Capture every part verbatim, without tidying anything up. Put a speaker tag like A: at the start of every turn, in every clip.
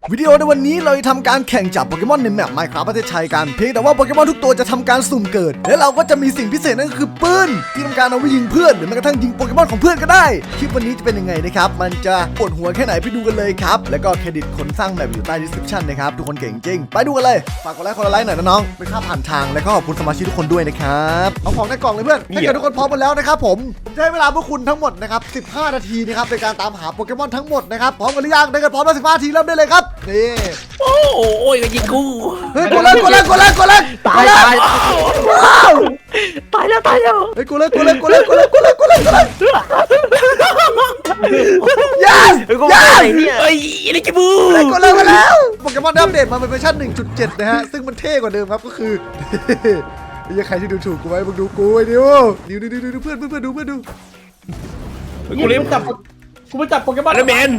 A: วิดีโอในวันนี้เราจะทำการแข่งจับโปเกมอนในแมป Minecraft ประเทศไทยกันเพียงแต่ว่าโปเกมอนทุกตัวจะทำการสุ่มเกิดและเราก็จะมีสิ่งพิเศษนั่นก็คือปืนที่ทำการเอาไว้ยิงเพื่อนหรือแม้กระทั่งยิงโปเกมอนของเพื่อนก็ได้คลิปวันนี้จะเป็นยังไงนะครับมันจะปวดหัวแค่ไหนไปดูกันเลยครับแล้วก็เครดิตคนสร้างแมปอยู่ใต้ description นะครับทุกคนเก่งจริงไปดูกันเลยฝากกดไลค์กดไลค์หน่อยนะน้องเป็นค่าผ่านทางและก็ขอบคุณสมาชิกทุกคนด้วยนะครับเอาของในกล่องเลยเพื่อนถ้าเกิดทุกคนพร้อมหมดแล้วนะครับผมจะให้เวลาพวกคุณทั้งหมดนะครับสิบห้านาทีนะครับในการตามหาโปเกมอนทั้งหมดนะครับพร้อมกันหรือยังถ้าเกิดพร้อมแล้วสิบห้านาทีเริ่มได้เลยครับนี่
B: โอ้โอ้ยก็ยิงกู
A: เฮ้ยกูเล่นกูเล่นกูเล่นกูเล่น
B: ตายตาย
A: ว้าว
B: ตายแล้วตายแล้ว
A: เฮ้ยกูเล่นกูเล่นกูเล่นกูเล่นกูเล่นกูเล่นกูเล่นยัน
B: เฮ้ยกู
A: ยั
B: ไป
A: น
B: ไหนเนี่ยเฮ้ยลิกิบู
A: เล่นกูเล่นมาแล้วโปเกมอนอัปเดตมาเป็นเวอร์ชัน หนึ่งจุดเจ็ด นะฮะซึ่งมันเท่กว่าเดิมครับก็คือไอ้ใครที่ดูถูกกูไว้มึงดูกูไอ้ดิวดิวดิวดิวเพื่อนเพื่อนเพื่อนดูเพื่อนดู
B: กูเล่น
C: จับกูไปจับโปเกมอน
B: แล้วแมน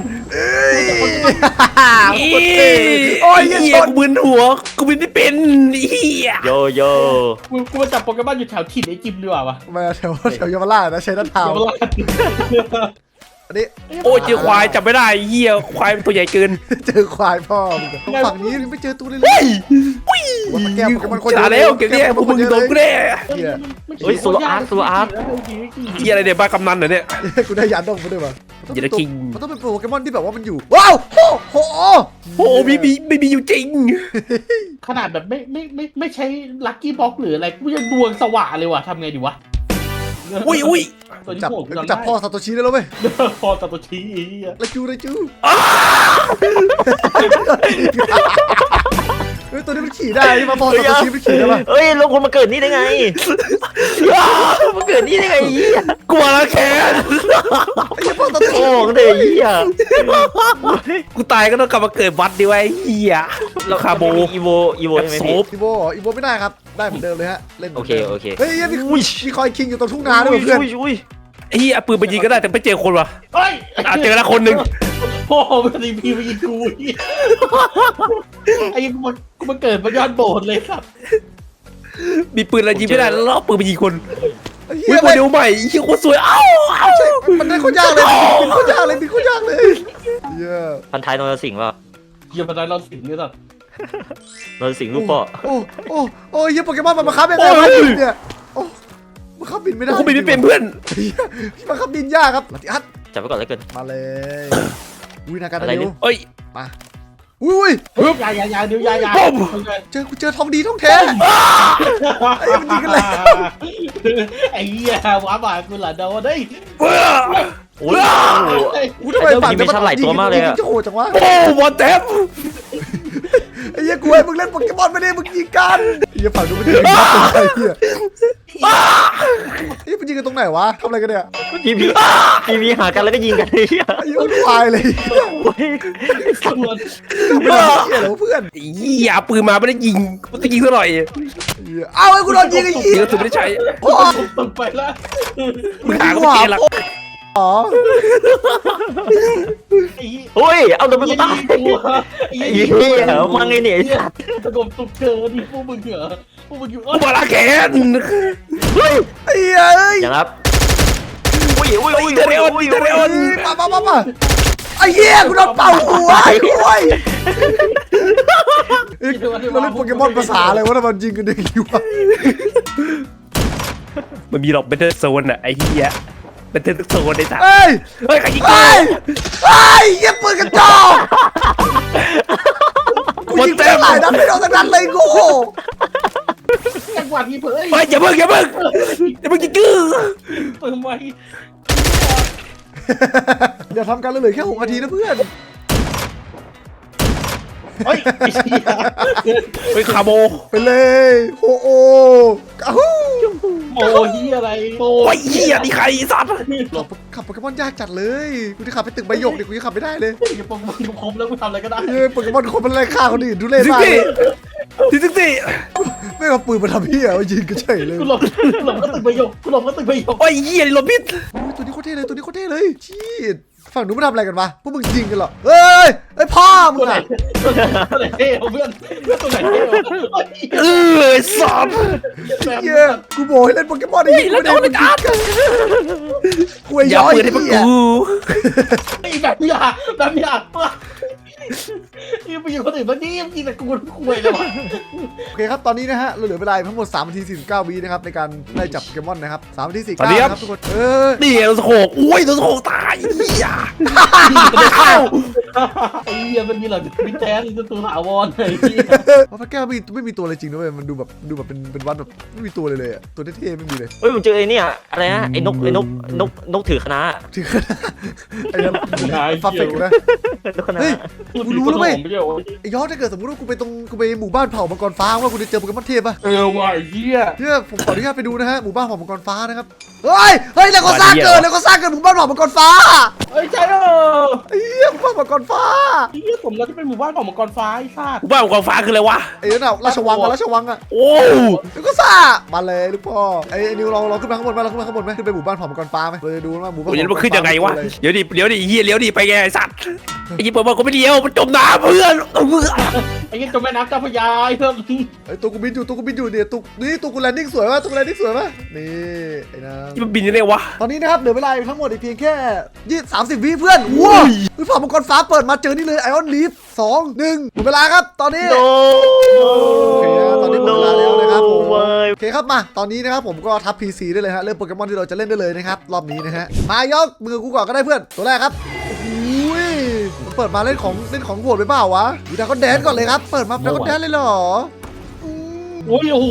A: โอ้ยยั
B: เฮี
A: ง
B: ย
A: ชน
B: กูมึนหัวกูมึนไม่เป็นเฮียโยโย่
C: กูกูไปจับโปเกมอนอยู่แถวถิ่นไอ้จิมดีกว่าวะ
A: มาแถวแถวเยาวราชนะใช้น้ำเท้า
C: เดี๋ยวมาลาด
A: อันนี้
B: โอ้ยเจอควายจับไม่ได้เฮียควายมันตัวใหญ่เกิน
A: เจอควายพ่อมึงฝั่งนี้ไม่เจอตัวเลยเลยว่าแก้วโปเกมอนคน
B: จ่าแล้วเก็บเนี่ยพวกมึงโดนกูแน่
C: เฮ้ยโซลอาร์ตโซลอาร์ต
B: เฮียอะไรเนี่ยบ้ากำนันเหรอเนี่ย
A: กูได้ยันดงมาด้วยมั้ย
B: อย่าได้คิง
A: มันต้องเป็นโปเกมอนที่แบบว่ามันอยู่ว้าวโอ้โห
B: โอ้มีมีไม่มีอยู่จริง
C: ขนาดแบบไม่ไม่ไม่ไม่ใช้ลัคกี้บ็อกหรืออะไรกูยังดวงสว่างเลยว่ะทำไงดีวะ
B: อุ้ยอุ้ย
C: ตัวนี้
A: จับ
C: โหด
A: จับพ่อซาโตชิได้แล้วไหม
C: พอตัดตัวชี้อีก
A: ไรจูไรจูเฮ้ยตัวนี้มันขี่ได้มาพ่อซาโตชิมันขี่ได้ปะ
D: เอ้ยแล้วคนมาเกิดนี่ได้ไง มาเกิดนี่ได้ไงเหี้ย
B: กลัวละแค้น
A: ไอ้พ่อซาโตชิ
D: โอ้งเดยเหี้ย
B: กูตายก็ต้องกลับมาเกิดวัดดีไว้เฮียแล้วคาโบ
D: อีโวอีโวใช่ไหม
B: โซ
D: พี่
B: ฟ
A: อีโวอีโวไม่ได้ครับได้เหมือนเดิมเลยฮะเล่น
D: โอเคโอเค
A: เฮ้ยมีมีคอยคิงอยู่ตรงทุ่งนาด้วยเพื่อน
D: อุ้ยอุ้ย
B: ไอ้เฮียเอาปืนไปยิงก็ได้แต่ไม่เจอคนวะ
C: เฮ้ย
B: อ่ะเจอแล้วคนหนึ่ง
C: พ่อมันดีพีไปยิงกูไอ้ยังกูมันกูมันเกิดมันย้อนโบสถ์เลยครับ
B: มีปืนอะไรยิงไม่ได้แล้วเอาปืนไปยิงคน
A: เฮี
B: อุ้
A: ย
B: ยโมเดลใหม่เฮียโคตรสวยเอ้าเอ้า
A: มันได้โคตรยากเลยบินโคตรยากเลยบินโคตรยากเลยเย้
D: พันท้ายนรสิงห์ป่ะ
C: เยี่ยมมาได้เราสิงเนี่ยสัตว์
D: นรสิงห์ลูกพ่อ
A: โอ้โอ้โอ้ยโปเกมอนมันบังคับยังไงวะบินเนี่ยโอ้บังคับบินไม่ได้
B: กูบินไม่เป็นเพื่อน
A: พี่บังคับบินยากครับลัติอัด
D: จับไปก่อนแล้วกัน
A: มาเลยอุ้ยนาการ
D: อะไร
A: เดี
D: เนี่
A: ยวย
B: เอ้ย
A: มาอุ้ย
C: เฮ้ยยายายาเดี๋ยวยายา
A: เจอกูเจอทองดีทองแท้ไอ้มันยิงกันแล้ว
C: ไอ้เหี้ยว้าบากูหล่ะโดนเฮ้ย
B: เอ้อ
D: โอ้ย
A: กูทำไมฝั่ง
D: มีชั้นหลายตัวมากเลยอะ
A: จะโหดจังวะ
B: โอ้วอเต็ม
A: ไอ้เหี้ยกูให้มึงเล่นโปเกมอนไม่ได้มึงยิงกันไอ้เหี้ยฝั่งนู้นมันยิงกันตรงไหนเหี้ยไอ้มันยิงกันตรงไหนวะทำอะไรกันเนี่ย
D: พีพีพีพีหากันแล้วก็ยิงกันเหี้ย
A: ไอ้เหี้ยมันควายเลย
D: โอ้ย
C: ตำรวจ
A: ไม่ได้เหี้ยเหรอเพื่อน
B: เฮียปืนมาไม่ได้ยิงมันจะยิงซะหน่อย
A: ไอ้เหี้ยเอาไอ้กูโดนยิงไอ้
B: ยิ
A: เหี้
B: ง
A: ย
B: กระสุนไม่ได้ใช้
A: พ่อ
C: ตกไปแล้ว
B: มึงหากูเจอละ
A: อ๋อ
C: ไอ้
D: โอ้ยเอาตัวไปกูตาย
C: ตัว
D: ไอ้เหี้ยมาไงเนี่ยไอ้สัตว์
C: สงบสุขเจอดิพวกมึงเหรอพวกมึงอยู่
B: กูมาละแค้น
D: เฮ้ย
A: ไอ้เหี้ยเอ้ย
D: อย่างครับอุ้ยอุ้ยอุ้ย
B: เทเรออนเทเรออน
A: มามามามาไอ้เหี้ยกูโดนเป่าหัวไอ้คุยเราเล่นโปเกมอนภาษาอะไรวะทำไมยิงกันอย่างนี้วะ
B: มันมีหรอกเบนเทอร์โซนอะไอ้เฮียเบนเทอร์โซนไอ้สัส
A: เฮ้ย
B: เฮ้ยใครยิงกู
A: เฮ้ยเฮ้ยเหี้ยปืนกระจอกกูยิงไปหลายนัดไม่โดนสักนัดเลยกู
C: จังหวะที่เผย
B: เฮ้ยอย่าเพิ่งอย่าเพิ่งอย่าเพิ่งยิงกู
C: เปิดไว้
A: อย่าทำกันเลยเหลือแค่หกนาทีนะเพื่อน
C: เฮ้ยไอ้เหี้ย
B: เฮ้ยคาโบ
A: ไปเลยโฮโออ้าว
C: โมเหี้ยอะไรโม
B: โอ้ยเฮียนี่ใครสัตว์
A: ขับโปเกมอนยากจัดเลยกูจะขับไปตึกใบหยกดิกูยังขับไม่ได้เลย
C: อย่าปงมึงคมแล้วกูทำอะไรก็ได้
A: เฮ้ยโปเกมอนคนมันไล่ฆ่าคนอื่นดูเล่
B: สิ
A: มาก
B: สิสิสิ
A: ไม่เอาปืนมาทำเหี้ยเอายิงกันเฉยเลย
C: กูหลบกูหลบก็ตึกประโยคกูหลบก็ตึกประโยค
B: โอ้ยเฮียนี่ลมพิษ
A: โอ้ยตัวนี้โคตรเท่เลยตัวนี้โคตรเท่เลยชีดฝั่งนู้นมันทำอะไรกันวะพวกมึงยิงกันเหรอเฮ้ยไอ้พ่อมึ
C: ตัว
A: ง
C: ไหน
A: อะ
C: ตัวไหนเท่เพื่อนตัวไหนเท่
B: เออสัตว์
A: เหี้ยกูบอกให้เล่นโปเกมอนไอ้
B: เฮ้ย
A: ยิง
B: แล้ว
A: ไม่
B: จะ
A: ได้
B: เอา
A: มึ
B: ไป
A: ง
B: กั
A: ยิ
B: ด
A: งกูไอ้
B: อย่า
A: ย้อย
B: ปืนให้พวก
A: เหี้ย
B: กู
C: ไอ้แบบนี้อ่ะแบบนี้อ่ะยังไปอยู่คนอื่นบ้างนี่ยังกินแต่กูคุยเลยวะ
A: โอเคครับตอนนี้นะฮะเราเหลือเวลาทั้งหมดสามนาทีสี่สิบเก้าวินะครับในการไล่จับโปเกมอนนะครับสามนาทีสี่สิบ
B: สวัส
A: เก้า
B: ดีครับ
A: นะครับทุกคนเออ
B: นี่โดนสโคกอุ้ยโดนสโคกตายเหี้ย
C: ไอ้เหี้ยมันมีเหรอมิแท้อีกตัวถาวรไอ้เหี้ย
A: เพราะพระแก้วไม่ไม่มีตัวอะไรจริงนะเว้ยมันดูแบบดูแบบเป็นเป็นวัดแบบไม่มีตัวเลยเลยอะตัวเท่ๆไม่มีเลย
D: เฮ้ยผมเจอไอ้เนี่ยอะไรนะไอ้นกไอ้นกนกนกถือคณะ
A: ที่ขนาดไอ้นั่นฟาเฟกนะ
D: นกคณะ
A: เฮ้ย กูรู้แล้วเว้ย
C: ไม่ใช่เหรอ
A: ไอ้ยอดถ้าเกิดสมมติว่ากูไปตรงกูไปหมู่บ้านเผ่ามังกรฟ้าว่ากูจะเจอโปเกมอนเทพป่ะ
C: เออว่ะไอ้เหี้ย
A: เนี่ยผมขออนุญาตไปดูนะฮะหมู่บ้านเผ่ามังกรฟ้านะครับเฮ้ยเฮ้ยแล้วก็สร้างเกิดแล้วก็สร้างเกิดหมู่บ้านเผ่ามังกรฟ้า
C: เอ้ยใช่เหรอ
A: ไอ้เหี้ยหมู่บ้านมังกรฟ้า
C: ไอ้เหี้ยผมเราที่เป็นหมู่บ้านของมังกรฟ้าไอ้ซาด
B: กูบ้าของกองฟ้าคืออะไรวะ
A: ไอ้นั่นน่ะราชวังอะราชวังอะ
B: โอ้
A: แล้วก็ซ่ามาเลยลูกพ่อไอ้ไอ้นิวเราเราขึ้นมาข้างบนไหมเราขึ้นมาข้างบนไหมขึ้นไปหมู่บ้านเผ่ามังกรฟ้าไหมเราจะดูว่าหมู่บ้าน
B: โหยัน
A: เผ่า
B: มันขึ้นยังไงวะ
A: เป็
B: เดี๋ยวดิเดี๋ยวดิเฮียเลี้ยวดิไปไงไอ้สัตว์ไอ้ยี่ปอบอกกูไม่เลี้ยวมันจมน้ำเพื่อนเพื่อน
C: ไอ้เหี้ยจมแม่น้ำเจ้าพระยาไอ้เพิ่ม
A: ไอ้ตัวกูบินอยู่ตัวกูบินอยู่เนี่ยตัวนี่ตัวกูแลนดิ้งสวยป่ะตัวกูแลนดิ้งสวยป่ะนี่ไอ้น้
B: นี่มันบินยังไงวะ
A: ำตอนนี้นะครับเหลือเวลาอีกทั้งหมดอีกเพียงแค่ยี่สามสิบวิเพื่อนว้าววิผ่ามังกรฟ้าเปิดมาเจอนี่เลยไอออนลีฟสองหนึ่งหมดเวลาครับตอนนี้
D: โน
A: โอเคนะตอนนี้หมดเวลาแล้วนะครับผม
D: เว้ย
A: โอเคครับมาตอนนี้นะครับผมก็ทับ พี ซี ได้เลยฮะเริ่มโปเกมอนที่เราจะเล่นได้เลยนะครับรอบนี้นะฮะมายกมือกูก่อนก็ได้เพื่อนตัวแรกครับอุ้ยมันเปิดมาเล่นของเล่นของโหดไปเปล่าวะดูดาก็แดนก่อนเลยครับเปิดมาดาก็แดนเลยเหรออืม
C: โอ้ยโอ้โห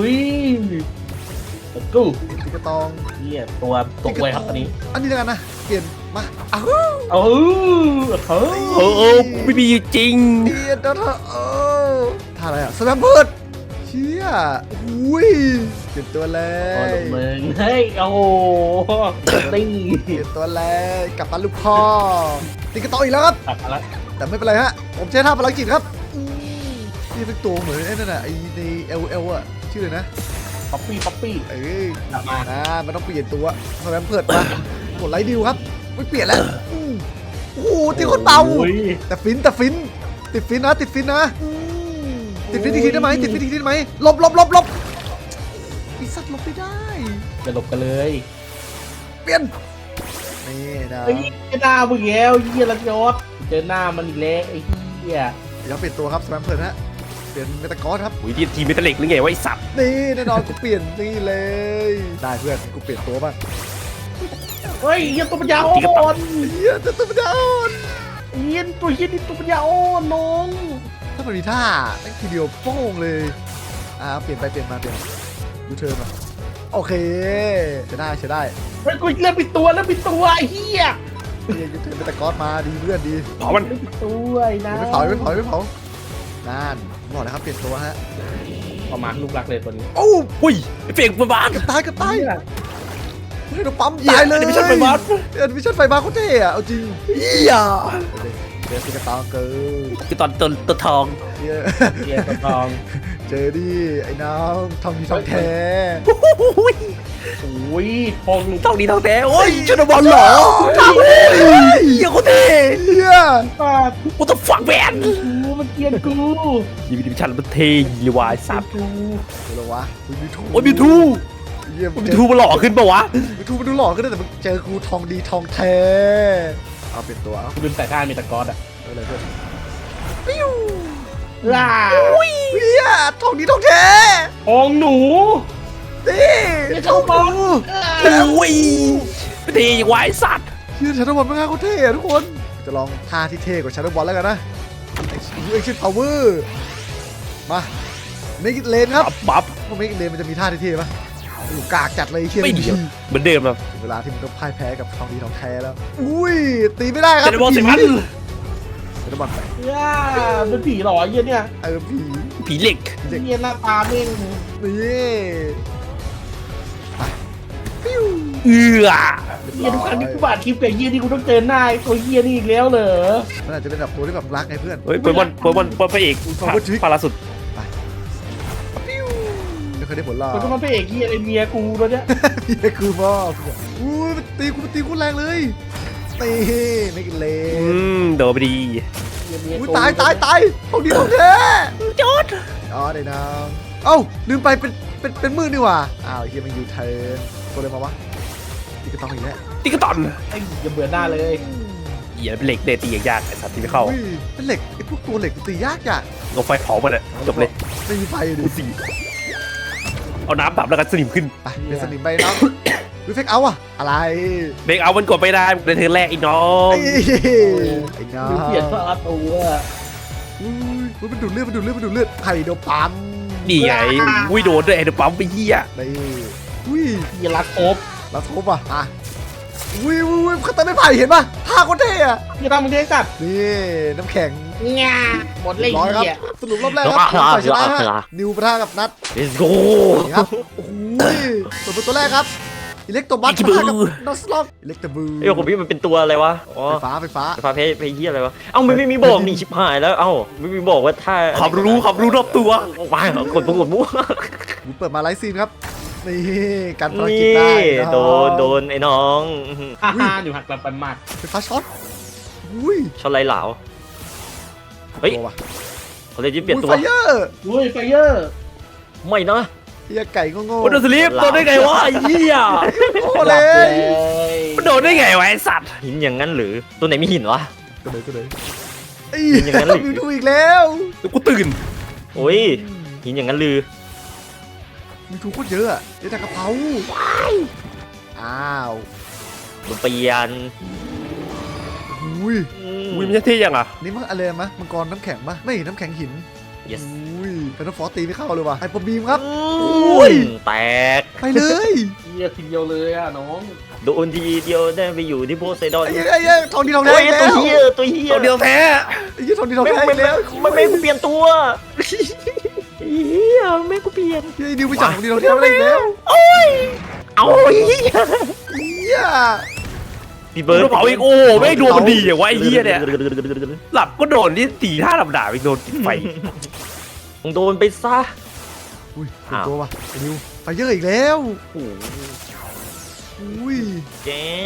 C: กู
A: ติ๊กกระตอง
C: เหี้ยตัวตกไวครับตอนนี้
A: อันนี้แล้วกันนะเปลี่ยนมาอ้าว
C: เออเฮ้ย
B: เออเออกูไม่มีอยู่จริง
A: เปลี่ยนแล้วเถอะเออท่าอะไรอะสแลมเพิร์ดเชี่ยอุ้ยเปลี่ยนตัวเล
C: โอ้
A: ย
C: ยมึงเฮ้ยโอ้โหติ้ง
A: เปลี่ยนตัวเลยกลับมาลูกพ่อติ๊กกระตองอีกแล้วครับ
C: ตัดมาแล้ว
A: แต่ไม่เป็นไรฮะ ผมใช้ท่าพลังจิตครับอืมนี่เป็นตัวเหมือนไอ้นั่นน่ะไอ้ใน L L อ่ะ ชื่ออะไรนะ
C: ป๊อปปี้ป๊อปปี้
A: เอ้ย
C: กลับมา
A: อ่ามันต้องเปลี่ยนตัวสแลมเพิร์ดมากดไลท์ดิวครับ ไม่เปลี่ยนแล้วอืมโอ้โหตีคนเบา
C: โอ้ย
A: แต่ฟินแต่ฟิน ติดฟินนะ ติดฟินนะอืมติดฟินอีกทีได้ไหมติดฟินอีกทีได้ไหมหลบหลบหลบหลบไอ้สัตว์หลบไม่ได้
C: จะหลบกันเลย
A: เปลี่ยน นี่นะ
C: ไอ้หน้ามึงแล้วเหี้ยละยศเจอหน้ามันอีกแล้วไอ้เหี้ย
A: เดี๋ยวเปลี่ยนตัวครับสแลมเพิร์ดฮะ เปลี่ยนเมตากอสครับ
B: อุ้ยทีมเมทัลเล็กหรือไงวะไอ้สัตว์
A: นี่แน่นอนกูเปลี่ยนนี่เลย ได้เพื่อนกูเปลี่ยนตัวบ้าง
C: เฮ้ยเหี้ยตัวปัญญาอ่อน
A: เฮียจะตัวมันจะอ่อน
C: เหี้ยตัวเหี้ยนี่ตัวปัญญาอ่อนน้อง
A: ถ้ามันมีท่าตั้งทีเดียวโป้งเลยอ่าเปลี่ยนไปเปลี่ยนมาเปลี่ยนยูเทิร์นมาโอเคใช้ได้ใช้ได้
C: เฮ้ยกูเริ่มปิดตัวเริ่มปิดตัวไอ้เหี้ย
A: เฮียยูเทิร์นเป็นตะกอสมาดีเพื่อนดี
B: เผามัน
C: เริ่มปิดตัวไอ้นะ
A: ไม่เผาไม่เผาไม่เผานั่นบอกเลยครับเปลี่ยนตัวฮะ
C: ประมาณลูกรักเลยตัวนี้
A: โอ้
B: อุ้ยไอ้เฟกมันบ้าน
A: เกับตายเกับตาย
C: เหี้ย
A: เฮ้ยเราปั๊มตายเลย
B: เดี๋ยวไม่ใช่ไฟบ้าน
A: เอ็นวิชั่นไฟบ้าเขาเท่อะเอาจริง
B: เฮีย
A: เดี๋ยวสิกระตองเกิน
B: คือตอนตัวตัวทอง
A: เฮีย
C: เหี้ยตัวทอง
A: เจอดิไอ้น้องทองดีทองแท้
B: โอ้ย
C: โอ้ยทอง
B: ทองดีทองแท้โอ้ยชุดบอลเหรอเฮียโคตรเท่
A: เฮีย
C: ปาด
B: กูต้องฝังแหวน
C: กูมันเกลียนกู
B: ยีวิดิชันมันเท่ยีวายสัตว์
C: กู
A: เดี๋ยวเหรอวะมีทู
B: โอ้ยมิวทู
A: เยี่ยม
B: มิวทูมันหล่อขึ้นปะวะ
A: มีทูมันดูหล่อขึ้นนะแต่มึงเจอกูทองดีทองแท้เอาเป็นตัวเอา
C: กูลืมใส่ท่ามีตะกอดอ่ะ
A: เอาเลยเพื่อน
C: ล่า
A: เฮียทองดีทองแท้
C: ทองหนู
A: นี่
C: เฮีย
A: ทอง
C: บอล
A: ดู
B: โอ้ยเท่ยีวายสัตว์
A: เฮียชาร์ดบอลไม่ง่ายเขาเท่อะทุกคนจะลองท่าที่เท่กว่าชาร์ดบอลแล้วกันนะเอ็กซ์พาวเวอร์มาเมกิเลนครับ
B: ปั๊บ
A: พวกเมกิเลนมันจะมีท่าที่เท่ปะโอ้โหกากจัดเลยเฮีย
B: ไม่ดีเหมือนเดิมครับ
A: ถึงเวลาที่มึงต้องพ่ายแพ้กับทองดีทองแท้แล้วอุ้ยตีไม่ได้ครับ
B: เป็นบอลสิพัน
A: ชาร์ดบอลไป
C: ย่าเป็นผีเหรอเฮียเนี่ย
A: เออผี
B: ผีเหล็ก
A: เด็ก
C: เฮียหน้าตาเม่ง
A: นี่ไปปิ้ว
B: เอือ
C: เฮียทุกครั้งที่กูบาดคลิปกับเฮียนี่กูต้องเจอหน้าไอ้ตัวเฮียนี่อีกแล้วเหรอ
A: มันอาจจะเป็นแบบตัวที่แบบรักไงเพื่อน
B: เฮ้ยเปิดบอลเปิดบอลเปิดพระเอกพาราสุด
A: ปิ้วไม่เคยได้ผลหรอก
C: มันก็มาเป็นเอกเฮียไอเมียกูตัวเนี้ย
A: พี่คือพ่ออุ้ยมันตีกูมันตีกูแรงเลยตีไม่กินเล
B: อื
A: น
B: มโดนไปดี
C: เฮียเมีย
A: อุ้ย
C: กู
A: ตายตายตายทองดีทองแท้
B: จอด
A: อ๋อได้น้ำเอ้าลืมไปเป็นเป็นเป็นมือนี่หว่าอ้าวเฮียมันยูเทิร์นตัวอะไรมาวะนี่ก็ต้องอีกแล้ว
B: ติ๊กตอน
C: ไอ้อย่าเบื่อหน้าเลย
B: หี้ยเป็นเหล็กเดตียากๆไอ้สัตว์ที่ไม่เข้า
A: อุ้ยเป็นเหล็กไอ้พวกตัวเหล็กตียากจัง
B: ลงไฟเผามันอะจบเลย
A: ไม่มีไฟดิ
B: กูสี่เอาน้ำดับแล้วกันสนิมขึ้น
A: ไปเป็นสนิมไปน้องวิเฟกเอาอะอะไร
B: เบรกเอามันกดไม่ได้ในเทิร์นแรกไอ้น้อง
A: ไอ้ไอ้น้อง
C: ดูเปลี่ยนตัวตัว
A: อุ้ยอุ๊ยมันดูดเลือดมันดูดเลือดมันดูดเลือดไข่โดปั๊ม
B: นี่ไงอุ้ยโดนด้วยไอ้เดอะปั๊มไปเหี้ย
A: นี่อุ้ย
C: ยีรักครบ
A: แล้วทุบอ่ะอ่ะอุ้ยอุ้ยอุ้ยเขาตัดไม่ไผ่เห็นป่ะท่าคนเท่อะ
C: ยีรักมึงเท่จัด
A: นี่น้ำแข็ง
C: งาหมดเลย
A: ร้อยครับ
C: เหี้ย
A: สรุปรอบแรกครับฝ่ายชนะฮะนิวปะทะกับนัท
D: let's go
A: นี่ครับโอ้โหส่วนเป็นตัวแรกครับอิเล็กโตบัสปะทะกับนัสล็อกอิเล็กโตบู
D: เอ้ยของพี่มันเป็นตัวอะไรวะอ๋อ
A: ไฟฟ้าไฟฟ้า
D: ไฟฟ้าเพย์เพย์เฮียอะไรวะเอ้าไม่ไม่มีบอกนี่ชิบหายแล้วเอ้าไม่มีบอกว่าถ้า
B: ขับรู้ขับรู้รอบตัว
D: ว้ายกดปุ่มกดมั่ว
A: เปิดมาไลฟ์ซีนครับนี่การภารกิจ
D: นี่
A: ได้
D: โดนโดนไอ้น้อง
C: ฮ่าฮ่าอยู่หักแบบปันมาก
A: ไฟฟ้าช็อตอุ้ย
D: ช็อตไรเหลาเฮ้ย
A: ตัวว่ะ
D: เขาเลยจะเปลี่ยนตัว
A: ไฟเยอร์
C: อุ้ยไฟเยอร์
D: ไม่นะ
A: เฮียไก่โง่
B: โอ้โดนสลิปโดนได้ไงวะไอ้เหี้ย
A: ๆโง่
C: ห
A: เล
C: ลับ
A: ย
C: เลย
B: มันโดนได้ไงวะไอ้สัตว์
D: หินอย่างนั้นหรือตัวไหนมีหินวะ
A: ก็เลยก็เลยไอ้
D: อย่างนั้นหรือ
A: มีดูอีกแล้ว
B: เดี๋ยวกูตื่น
D: โอ้ยหินอย่างนั้นหรือ
A: มีทูโคตรเยอะอะเดี๋ยวแต่กระเพราอ้าว
D: โดนเปลี่ยน
A: อุ้ย
D: อืม
B: อุ้ยมันจะเท่ยังอ่ะ
A: นี่มันอะไรมะมังกรน้ำแข็งปะไม่น้ำแข็งหิน
D: yes
A: อุ้ยเป็นน้ำฟอสตีไม่เข้าเลยว่ะไฮเปอร์บีมครับ
D: อุ้ยแตก
A: ไปเลย
C: เหี้ยทีเดียวเลยอ่ะน้อง
D: โดนทีเดียวได้ไปอยู่ที่โพไซดอน
A: ไอ้เหี้ยไอ้เหี้ยทองดีทองแด
D: โอ้
A: ง
D: ย
A: อีก
D: ตัว
A: แล้ว
D: เฮียตัวเฮีย
B: ตัวเดียวแท้
A: ไอ้เหี้ยทองดีทอง
D: ไม่
A: แดง
D: ไม่
A: อีกแล้ว
D: ไม่ไม่กูเปลี่ยนตัวเฮียไม่กูเปลี่ยน
A: เฮ้ยดิวไปจับทองดีทองแดงอะไรอีกแล้ว
D: เอาเฮีย
A: เหี้ย
D: พี่
B: โด
D: เบิร์ด
B: นเผาอีกโอ้ไม่งดวงมันดีอย่างวะไอ้เหี้ยเนี่ยหลับก็โดนนี่ตีท่าลำดาบอีกโดนกินไฟ
D: มึงโดนไปซะ
A: อุ้ยเป็นตัวว่ะไอ้ดิวไฟเยอะอีกแล้ว
D: โอ้โห
A: อุ้ย
D: แก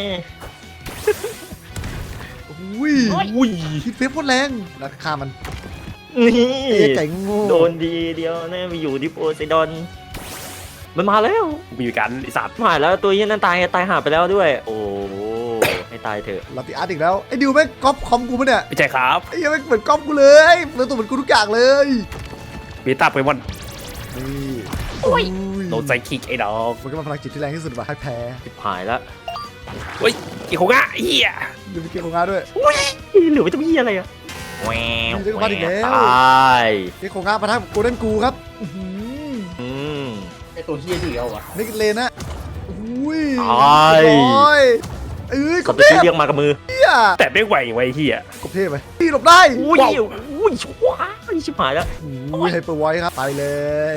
A: อุ้ย
B: อุ้ย
A: คิดเฟซโคตรแรงราคามัน
D: นี่
A: ไอ้ไก่โง่
D: โดนดีเดียวนะไปอยู่ที่โพไซดอนมันมาแล้ว
B: มีการไอ้สัตว์
D: มาแล้วตัวเฮียนั้นตายตายหาไปแล้วด้วย โอ้ให้ตายเถอะ
A: ลาติอาร์ตอีกแล้วไอ้ดิวแม่งก๊อปคอมกูปะเนี่ย
B: ไม่ใช่ครับ
A: ไอ้เหี้ยังแม่งเหมือนก๊อปกูเลยเหมือนตัวเหมือนกูทุกอย่างเลย
B: เบต้าไปวัน
A: นี่
B: โอ้ย
A: อุ้ย
B: โดนใจคิกไอ้ดอก
A: มันก็เป็นพลังจิตที่แรงที่สุดว่ะให้แพ้
D: ชิบหายแล้ว
B: เฮ้ยอีกของอ่ะเหี้ย
A: ดูมีเกมของงานด้วย
D: เหลือไว้จะมีอะไรอะแหวว
A: มีเรื่องบ้านอีกแล้ว
D: ตาย
A: เกมของงานประทับโกลเด้นกูครับอื้อหือ
D: อืม
C: ไอตัวเหี้ยเดียวอ่ะ
A: นิกเลนนะอุ้ย
D: ตาย
A: เรียบร้อยเอ้ยก
D: สั
A: บ
D: ตว์
A: เท
D: ที่
A: พ
D: เรียกมากับมือ
A: เฮีย
B: แต่ไม่ไหวไว้เหี้ย
A: กบเทพไปพี่หลบได้
D: อุ้ย
A: ว้าว
D: อุ้ยว้ายชิบหายแล้ว
A: อุ้ยไฮเปอร์ไวท์ครับไปเลย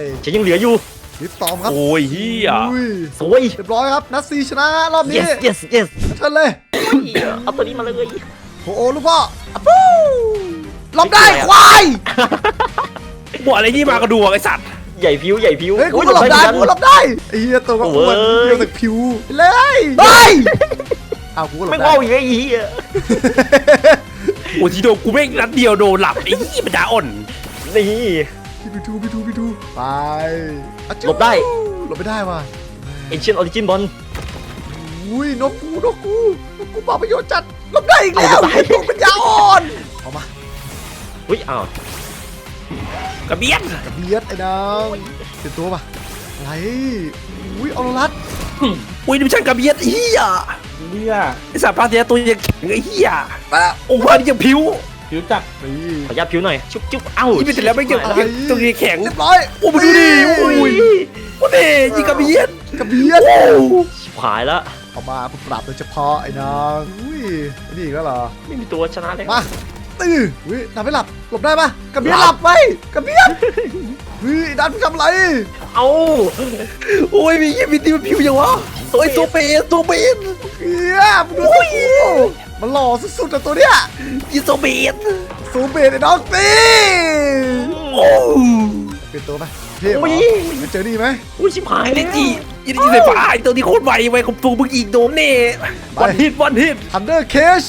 D: ฉันยังเหลืออยู่
A: ลิฟตอมครับ
B: โอ้ยเหี้ย
A: อุ้ย
D: สวย
A: เรียบร้อยครับนัดซีชนะรอบนี้
D: yes yes yes
A: เชิญเลย
D: เอาตัวนี้มาเลย
A: โอ้โหลูกพ่ออะปู้หลบได้ควาย
B: บอกอะไรที่มากระดูกไอ้สัตว์
D: ใหญ่ผิวใหญ่ผิว
A: เฮ้ยกู
D: อุ๊ย
A: ก็หลบได้
D: เหมือน
A: กูหลบได้ไอ้เหี้ยตัวก็อ้วน
D: โอ้ย
A: เดียวแต่ผิวเลยไปอ้าวกูก็หลบ
D: ไม่
A: ได้
D: ว่าอีกไอ้เหี้ย
B: โอ้ทีโดนกูแม่งนัดเดียวโดนหลับไอ้ยี่มันจะอ่อน
D: นี่
A: พี่ทูพี่ทูพี่ทูไปอะจู้
D: หลบได้
A: หลบไม่ได้ว่ะ
D: Ancient Origin Bond
A: อุ้ยนกกูนกกูนกกูปาประโยชน์จัดหลบได้อีกแล้ว
D: เอาหลบได้
A: ไอ้ตัวปัญญาอ่อนเอามา
D: อุ้ยอ้าว
B: กระเบียด
A: กระเบียดไอ้นางเปลี่ยนตัวป่ะอะไรอุ้ยออโรรัส
B: อุ้ยนี่มันช่างกระเบียดเฮีย
C: เหี้ย
B: ไอ้สัตว์พาเสียตัวยังแข็งไอ้เฮีย
A: ไปแล้ว
B: โอ้พานี่ยังผิว
C: ผิวจัด
A: นี่
D: ขอยับผิวหน่อย ชุบชุบเอ้า
B: อีไปเสร็จแล้วไม่เกี่ยว
A: อะไร
B: ตัวยังแข็ง
A: เรียบร้อย
B: โอ้มาดูดิโอ้ยโอ้เด้ยิงกระเบียด
A: กระเบียด
B: โอ้
D: ชิบหายแล้ว
A: เอามาเพื่อปรับโดยเฉพาะไอ้นางอุ้ยไอ้นี่อีกแล้วเหรอ
D: ไม่มีตัวชนะเลย
A: มาตื้ออุ้ยหลับไม่หลับหลบได้ปะกระเบียดหลับไปกระเบียดเฮ้ยดันมึงทำอะไร
D: เอ้า
B: โอ้ยมียี่มีตีมันผิวยังวะโอ้ยตัวเป็นตัวเป็น
A: เฮียมึงดูสิมันหล่อสุดๆแต่ตัวเนี้ย
B: ยี่ตัวเป็น
A: ซูเบตไอ้น้องตี
B: โอ้
A: เปลี่ยนตัวไหมเท่เหรอ
D: อุ้ย
A: ไปเจอนี่ไหม
D: อุ้ยชิบหาย
B: ไอ้
D: แล้
B: เด็
D: ว
B: กจียี่จีใส่ฟ้าไอ้ตัวนี้โคตรไวไวของตัวมึงอีกโดนเน่วันฮิตวันฮิต
A: ทันเดอร์เคช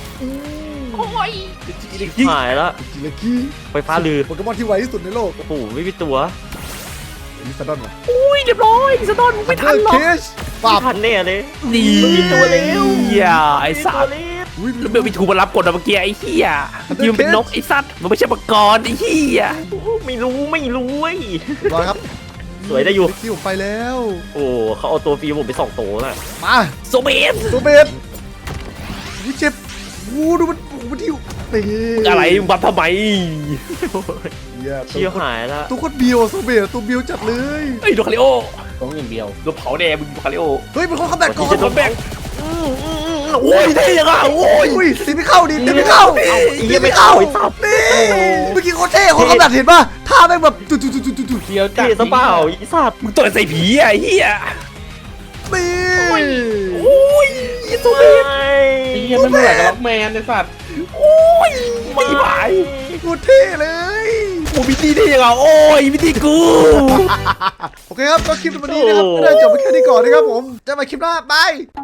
D: ชิบหายแล้ว
A: จิเลกี้
D: ไฟฟ้าลือ
A: โปเกมอนที่ไวที่สุดในโลก
D: โอ้โหไม่มีตัว
A: ลิซาดอนวะ
B: อุ้ยเรียบร้อยสะดอนไม่ทันหรอก
A: เคชปรา
D: ไม่
A: บ
D: ทันแน่เลย
B: นี่
D: ไม่มีตัวแล้ว
B: อย่าไอ้สัตว์
D: ไม่มีตัวแล้ว
A: ออุ้ย
B: แล้วเบลมีทูมารับกดอะเมื่อกี้ไอ้เหี้ยยืมเป็นนกไอ้สัตว์มันไม่ใช่มังกรไอ้เหี้ย
D: ไม่รู้ไม่รู้เว้ย
A: รอครับ
D: สวยได้อยู่
A: ที่ผมไปแล้ว
D: โอ้เขาเอาตัวฟรีผมไปสองโตน่ะ
A: มา
B: โซเบส
A: ตัวเบสอุ้ยเจ็บวูดูมันโอ้โหมันที่เตะ
B: อะไรมึงบัฟทำไม
A: เหี้ย
D: เชี่ยหายละ
A: ตัวโคตรเบียวอะตัวเบสตัวเบียวจัดเลย
B: ไอ้ยโดคาริโอ
C: ต้องอย่างเดียว
B: โดนเผาแน่มึงโดคาริโอ
A: เฮ้ยเป็นคนขับแบกก่อน
B: โดนแบกโอ้ยเท่ยังอ่ะโอ้ย
A: อุ้ยตีไม่เข้าดิตีไม่เข้า
D: เอาไอ้เหี้
A: ตี
D: ย
A: ไม่
D: ไม่
A: เข้า
D: เข้าไอ้สับ
A: นี่เมื่อกี้โคตรเท่คนขับแบกเห็นป่ะท่าแม่งแบบตุ๊ดตุ๊ดตุ๊ดตุ๊ดตุ๊ด
C: เดียวจัด
D: เท่ซะเปล่าไอ้สัตว์
B: มึงต่อยใส่ผีอ่ะไอ้เหี้ย
A: นี่
B: โอ้ยโซเบส
C: ไอ้เหี้ยไม่เหมือนกับล็อกแมนในสัตว์
B: โอ้ยไม่ไหว
A: โคตรเท่เลย
B: โอ้มิตี้ได้ยังไงโอ้ยมิตี้กู
A: โอเคครับก็คลิปวันนี้นะครับก็ได้จบไปแค่นี้ก่อนนะครับผมเจะมาคลิปหน้าบาย